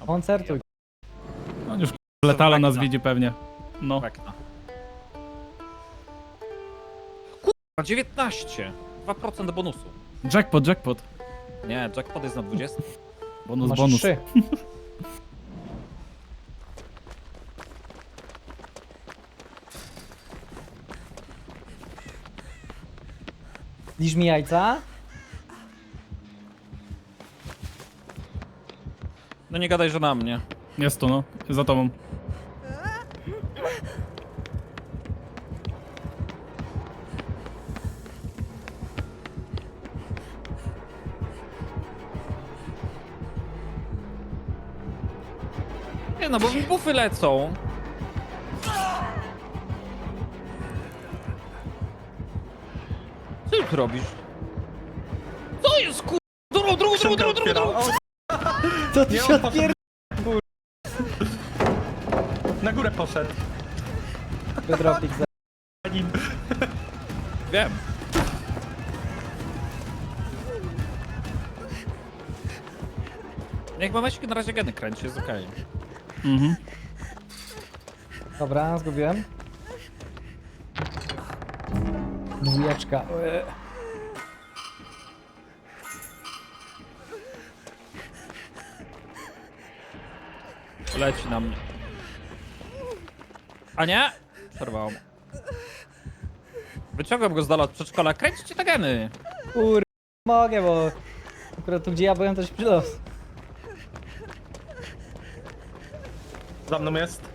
Koncertuj. On już letala nas widzi pewnie. No. Wekna. Kurwa, 19. 2% bonusu. Jackpot, jackpot. Nie, jackpot jest na 20. Bonus, Masz bonus. 3. Lisz mi jajca? No nie gadaj, że na mnie. Jest tu, no. Za tobą. Nie no, bo mi bufy lecą. Co ty robisz? Co jest kur... Drugą. Co ty Nie, się on poszedł. odpier... Na górę poszedł. Dropik za... Nim. Wiem. Niech mameczki na razie geny kręci, jest okej. Mhm. Dobra, zgubiłem. Dwójeczka. Leci na mnie. A nie? Przerwało. Wyciągam go z dala od przedszkola. Kręćcie te geny. Kur... Mogę, bo... Akurat tu gdzie ja byłem też przylos. Za mną jest.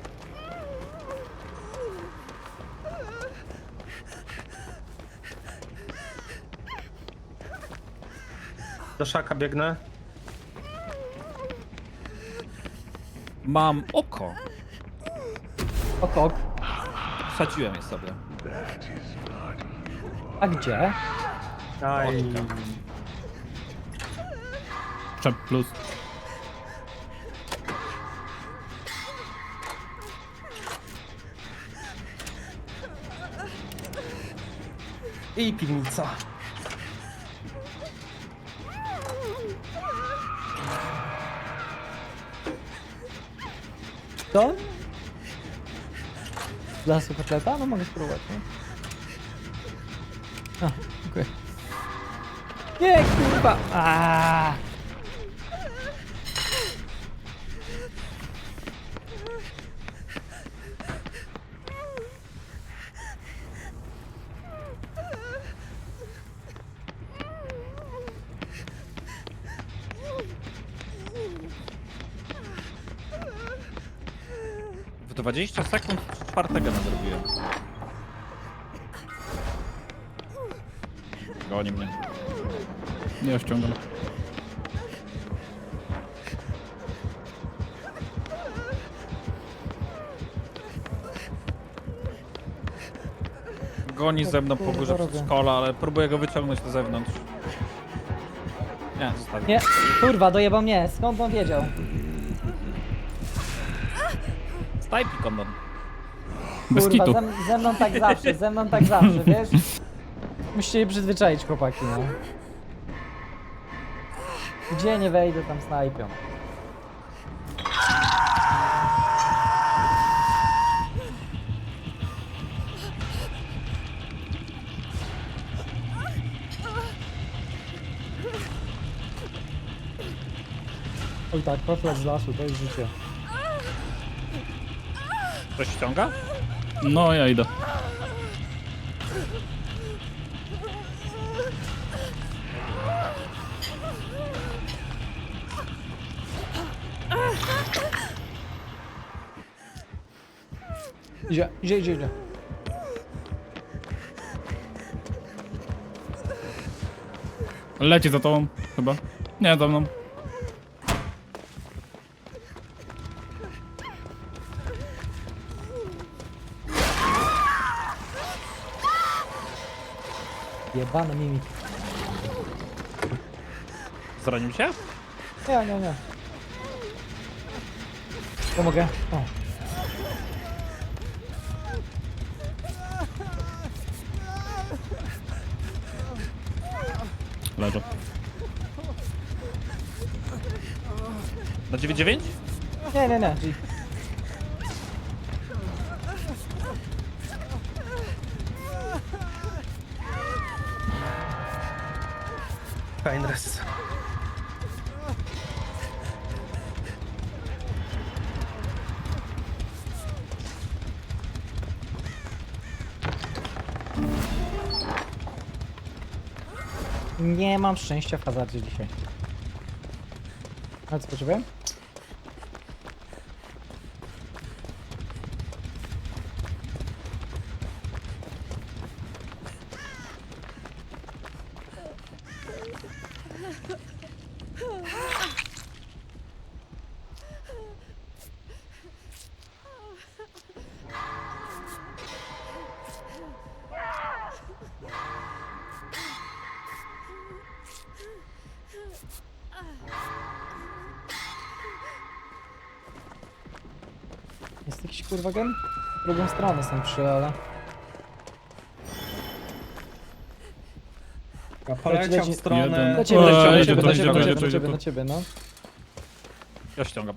Do szaka biegnę. Mam oko. Okok. Wsadziłem je sobie. A gdzie? Aj. Czep plus. I piwnica. Co? Z lasu kotleta? No mogę spróbować, nie? A, dziękuję. Nie, kurwa! Aaaa! W 20 sekund czwartego nadrobiłem. Goni mnie. Nie ściągam. Goni ze mną po kurwa górze robię? przedszkola, ale próbuję go wyciągnąć na zewnątrz. Nie, zostawię. Nie, kurwa, dojebał mnie. Skąd on wiedział? Stajpi kondon. Bez Kurwa, kitu. ze mną tak zawsze, ze mną tak zawsze, wiesz? Musicie się przyzwyczaić, chłopaki, no. Gdzie nie wejdę, tam snajpią. Oj tak, kotlet z lasu, to jest życie. Ktoś ściąga? No, ja idę. Idzie. Leci za tobą, chyba. Nie, za mną. Jebany mimik. Zranił się? Nie. Pomogę. O. Leżę. Na 9-9? Nie. G. Painrest. Nie mam szczęścia w hazardzie dzisiaj. Ale co potrzebuję? Jest jakiś kurwa gen? W drugą stronę są trzy, ale... Poleciał leci. w stronę... Jeden. Do ciebie, O, do jedzie ciebie, to, do jedzie ciebie, to, do jedzie to, ciebie, jedzie to. do ciebie, no. Ja ściągam.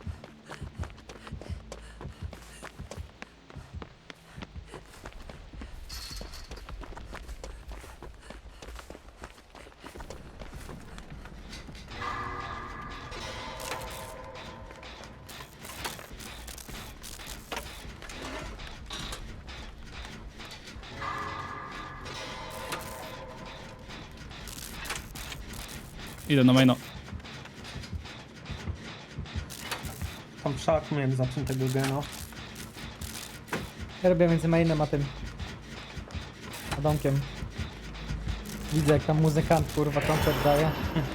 Idę na maina. Tam szak miałem zaczętego gena. Ja robię między mainem a tym... a domkiem. Widzę jak tam muzykant kurwa koncert daje.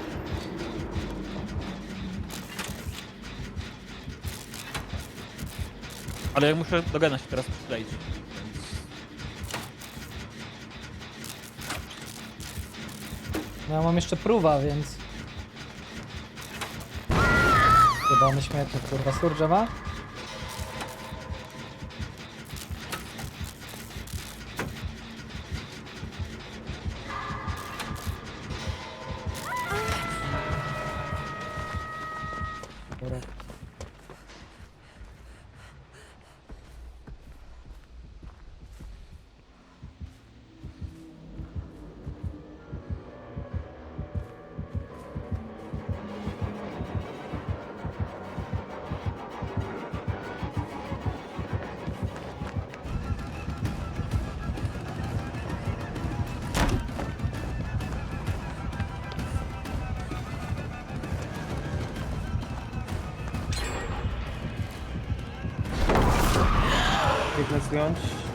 Ale ja muszę do gena się teraz przykleić. Więc... No ja mam jeszcze próba, więc... Jebany śmietnik kurwa. Surge ma? Dobra. Biegnę zdjąć.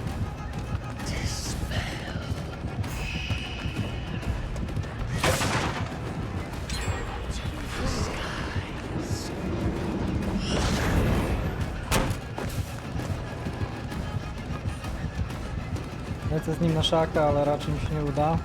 Lecę z nim na szaka, ale raczej mi się nie uda.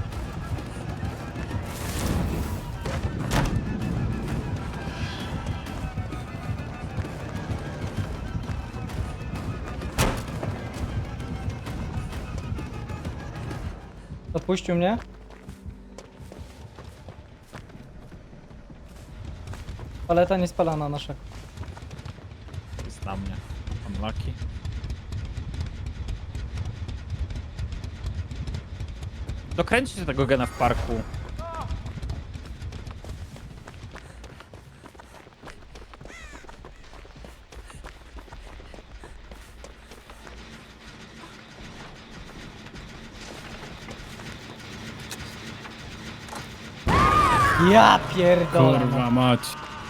Odpuścił mnie? Paleta nie spalana na szaku. Jest na mnie. Unlucky. Dokręćcie tego gena w parku. Ja pierdolę. Kurwa mać.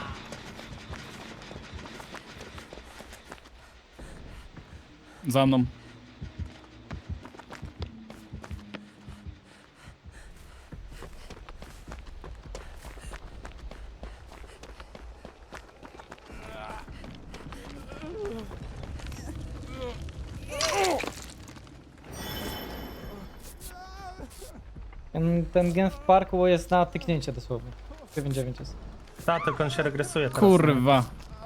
Za mną. Ten gen w parku jest na tyknięcie dosłownie. 9-9 jest. Ta, tylko on się regresuje teraz. Kurwa.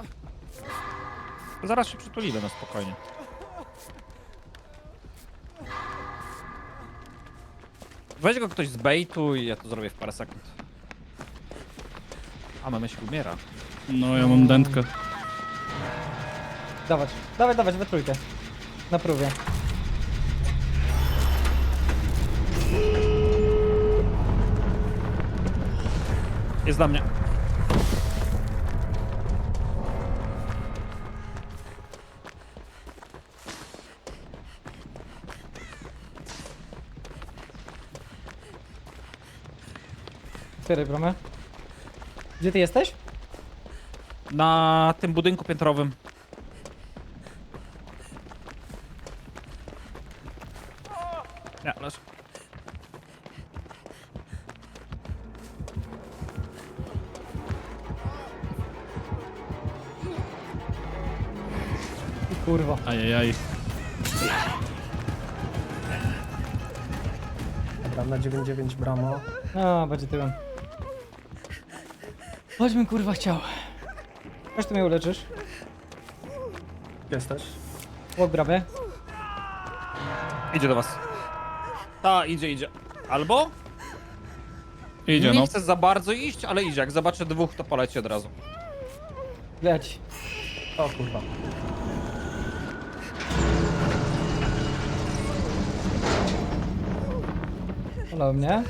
Zaraz się przytulimy na spokojnie. Weź go ktoś z baitu i ja to zrobię w parę sekund. A, my myśl umiera. No ja mam dętkę. dawać. Dawaj, dawać, we trójkę. Na próbie. Jest dla mnie. Otwieraj bramę. Gdzie ty jesteś? Na tym budynku piętrowym. Nie, leż. I kurwa. Ajajaj. Dobra, na 9-9 bramo. A, będzie tyłem. Chodźmy kurwa chciał. Chodź tu mnie uleczysz. Gdzie jesteś? Łok bramę. Idzie do was. Ta, idzie. Albo? Idzie, Nie no. chcę za bardzo iść, ale idzie. Jak zobaczę dwóch, to poleci od razu. Leć. O kurwa. Olał mnie.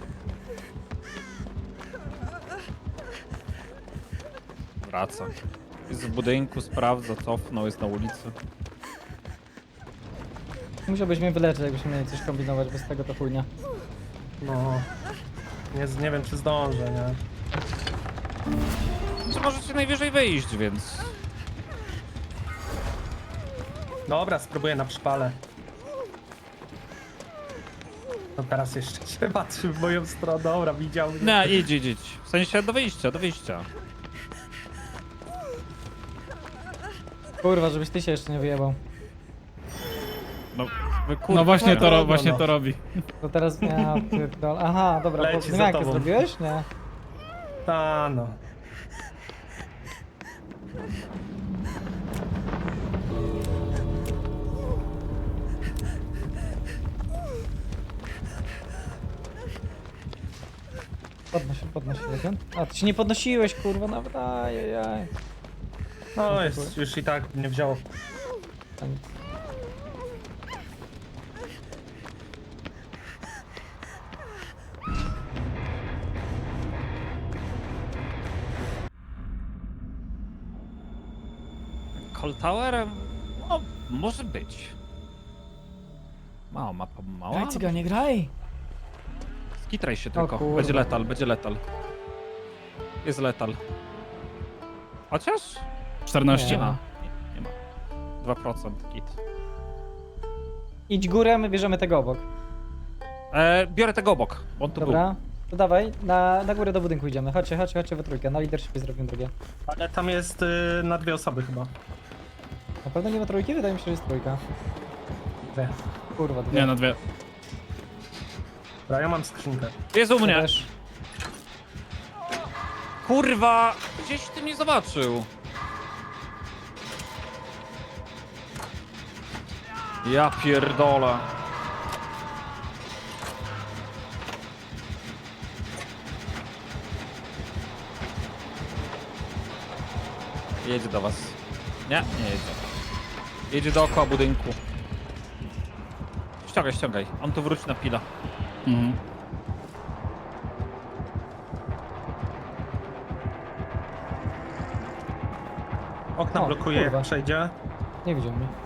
Wraca. Jest w budynku, sprawdza, cofnął, jest na ulicy. Musiałbyś mnie wyleczyć, jakbyśmy mieli coś kombinować, bez tego to chujnia. No. Nie wiem czy zdążę, nie? Czy możecie najwyżej wyjść, więc... Dobra, spróbuję na przypale. No teraz jeszcze się patrzy w moją stronę. Dobra, widział mnie. Nie, idź. W sensie do wyjścia. Kurwa, żebyś ty się jeszcze nie wyjebał. No, wy kurwa. No właśnie to, no. właśnie to robi. To teraz ja pierdol. Aha, dobra, Leci bo za jak to tobą. zrobiłeś? Nie. Ta no. Podnoś się jeden. A, ty się nie podnosiłeś, kurwa, nawet, ajajaj. No jest, już i tak mnie wzięło. A nic. Cold Tower? No, może być. Mała mapa, mała. Graj, cygan, nie graj! Skitraj się tylko. kurwa. Będzie letal. Jest letal. Chociaż? 14. Nie ma. Nie ma. 2% git. Idź górę, my bierzemy tego obok. Biorę tego obok, bo on tu Dobra, to dawaj, na górę do budynku idziemy. Chodźcie we trójkę, na leadershipie zrobimy drugie. Ale tam jest na 2 osoby chyba. Na pewno nie ma trójki? Wydaje mi się, że jest trójka. Dwie. Kurwa, dwie. Nie, na 2. Dobra, ja mam skrzynkę. był. Jest u mnie. Też. Kurwa! Gdzieś ty mnie zobaczył. Ja pierdolę. Jedzie do was. Nie jedzie. Jedzie dookoła budynku. Ściągaj. On tu wróci na pila. Mhm. Okna O, blokuje, kurwa. jak przejdzie. Nie widział mnie.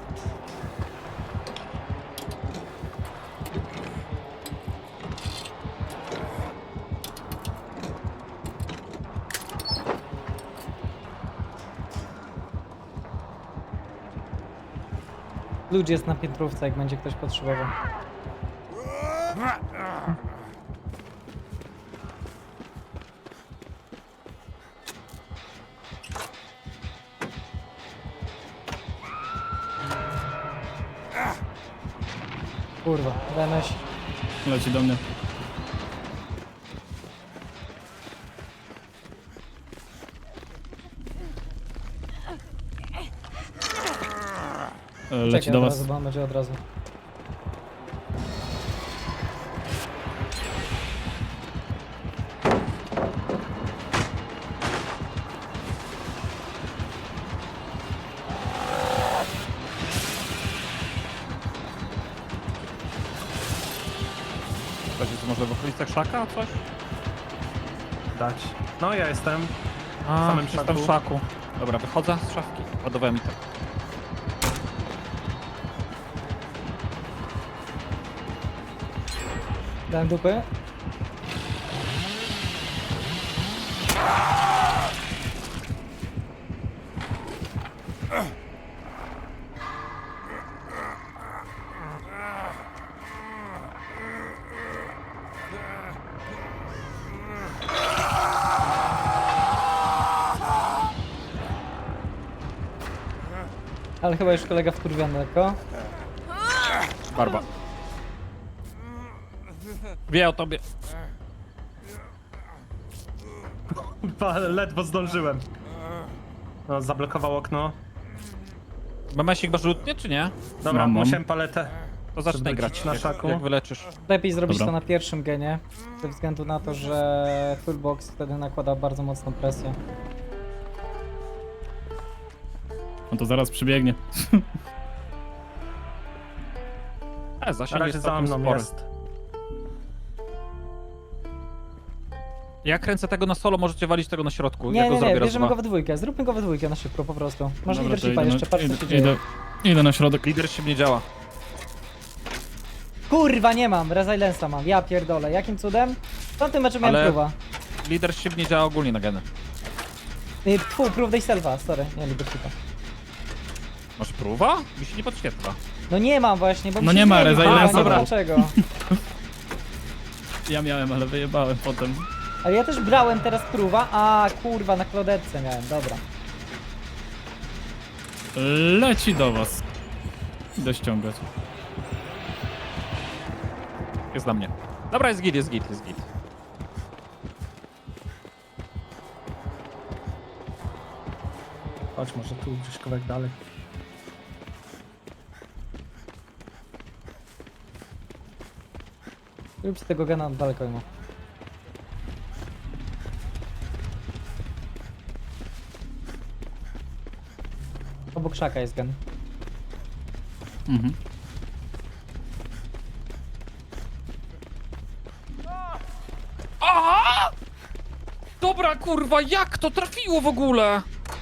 Ludzi jest na piętrówce, jak będzie ktoś potrzebował. Kurwa, DNS. Leci do mnie. Leci Czekaj do od was. razu, bo on będzie od razu. może w okolicach szaka coś? Dać. No ja jestem. A, samym jestem w szaku. szaku. Dobra, wychodzę z szafki. Ładowałem i tak. Dałem dupy. Ale chyba już kolega wkurwiony lekko. Barba. Wie o tobie. Kurwa, ledwo zdążyłem. No, zablokował okno. Memesik masz rzutnie, czy nie? Dobra, Mam. musiałem paletę. To zacznij Żeby grać, rzucić na jak, szaku. jak wyleczysz. Lepiej zrobić Dobra. to na pierwszym genie, ze względu na to, że Toolbox wtedy nakłada bardzo mocną presję. No to zaraz przybiegnie. Na Zasięg razie jest za całkiem mną spory. jest. Ja kręcę tego na solo, możecie walić tego na środku. Nie, ja go nie, zrobię nie, raz, bierzemy dwa. go we dwójkę, zróbmy go we dwójkę na szybko po prostu. Masz Dobra, to leadershipa idę jeszcze, na- patrz co się dzieje. Idę na środek. Leadership nie działa. Kurwa, nie mam, Resilience'a mam, ja pierdolę, jakim cudem? W tamtym meczu miałem Ale- próba. Leadership nie działa ogólnie na geny. Tfu, proof day selfa, sorry, nie leadershipa. Masz próba? Mi się nie podświetla. No nie mam właśnie, bo mi No się nie ma zmienił, Resilience'a, nie wiem dobra. dlaczego. Ja miałem, ale wyjebałem potem. Ale ja też brałem teraz próba, a kurwa, na klodetce miałem, dobra. Leci do was. Idę ściągać. Jest na mnie. Dobra, jest git, jest git, jest git. Chodź, może tu gdzieś kawałek dalej. Rób z tego gena daleko imo. Obok szaka jest gen. Mhm. Aha! Dobra, kurwa, jak to trafiło w ogóle?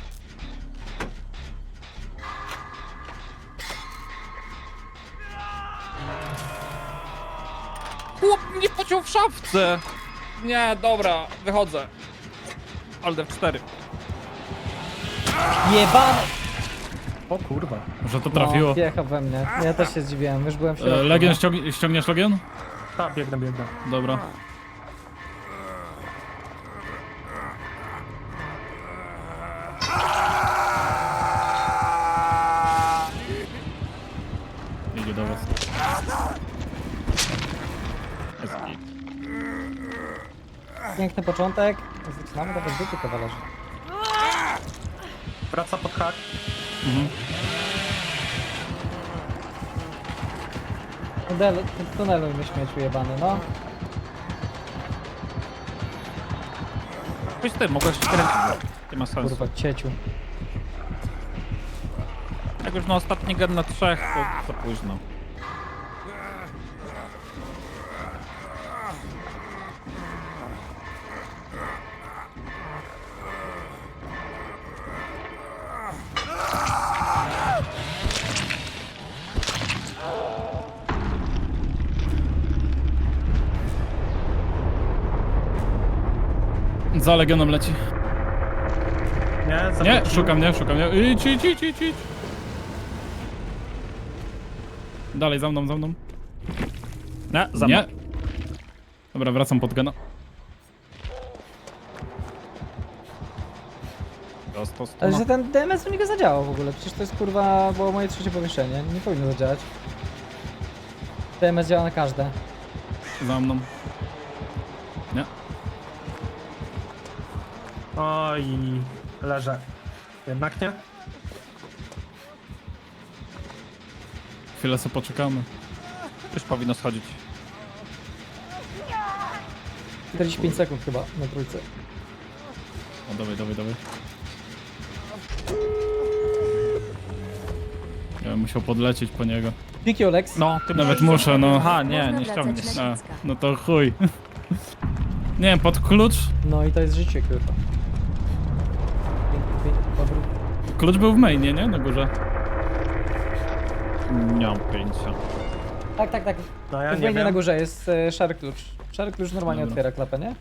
Chłop mnie pociął w szafce. Nie, dobra, wychodzę. Alt F4. Jebane! O kurwa. Że to trafiło. No, wjechał we mnie. Ja też się zdziwiłem, już byłem w środku. Legion, no. ściągniesz Legion? Tak, biegnę. Dobra. Idzie do was. Jest git. Piękny początek. Zaczynamy dawać dupy kawalerzy. Wraca pod hak. Tuneluj mnie śmieciu jebany, no. Pójdź ty, mogłeś się kręcić. Nie ma sensu. Kurwa, cieciu. Jak już na ostatni gen na 3, to za późno. Za Legionem leci. Nie, Nie, zawrócił. szukam mnie. Idź. Dalej, za mną. Nie, za Nie. mną. Dobra, wracam pod gena. Dostał Ale stuna. że ten DMS u niego zadziałał w ogóle, przecież to jest kurwa, było moje trzecie powieszenie, nie powinno zadziałać. DMS działa na każde. Za mną. Nie. Oj, leżę. Jednak nie? Chwilę sobie poczekamy. Już powinno schodzić. 45 sekund chyba na trójce. O, dawaj. Ja Ja musiał podlecieć po niego. Thank you, Lex. No, ty Nawet musisz- muszę, no. Aha, nie, Można nie wracać ściągniesz. na A, Niecka. no to chuj. Nie wiem, pod klucz? No i to jest życie, kurwa. Piękny, dobry. Klucz był w mainie, nie? Na górze. Nie mam pojęcia. Tak. No ja W nie wejdzie na wiem. górze jest szary klucz. Szary klucz normalnie Dobra. otwiera klapę, nie?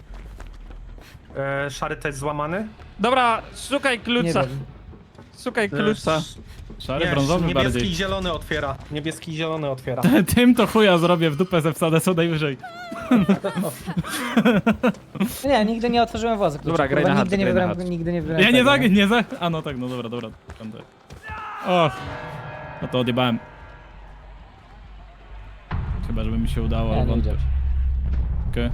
Szary też złamany? Dobra, szukaj Nie klucza. wiem. Szukaj klucza. Szary, Nie, brązowy niebieski bardziej. i zielony otwiera. Niebieski i zielony otwiera. Tym to chuja zrobię, w dupę ze wsadę co najwyżej. Nie, nigdy nie otworzyłem włazy klucza. Dobra, graj kurwa, na nigdy hard, nie graj na wybrałem, hard. nigdy nie wybrałem Ja nie tego, za, nie za... A no tak, no dobra. Tamte. Och. No to odjebałem. Chyba, żeby mi się udało, Nie, ale nie wątpię. idziesz. Okej.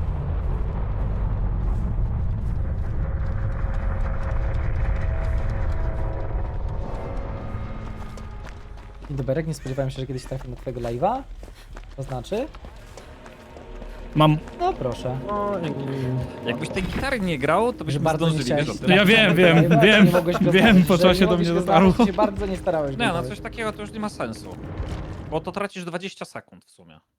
Doberek, nie spodziewałem się, że kiedyś trafię na twojego live'a. To znaczy? Mam. No proszę. Jakbyś tej gitary nie grał, to Że byśmy bardzo nie zdążyli, chciałeś. wiesz o tym. Ja wiem, Nie mogłeś go wiem, znaleźć, po że czasie nie do mogłeś mnie go dotarło. znaleźć, się bardzo nie starałeś. Nie, no Grzegorz. coś takiego to już nie ma sensu. Bo to tracisz 20 sekund w sumie.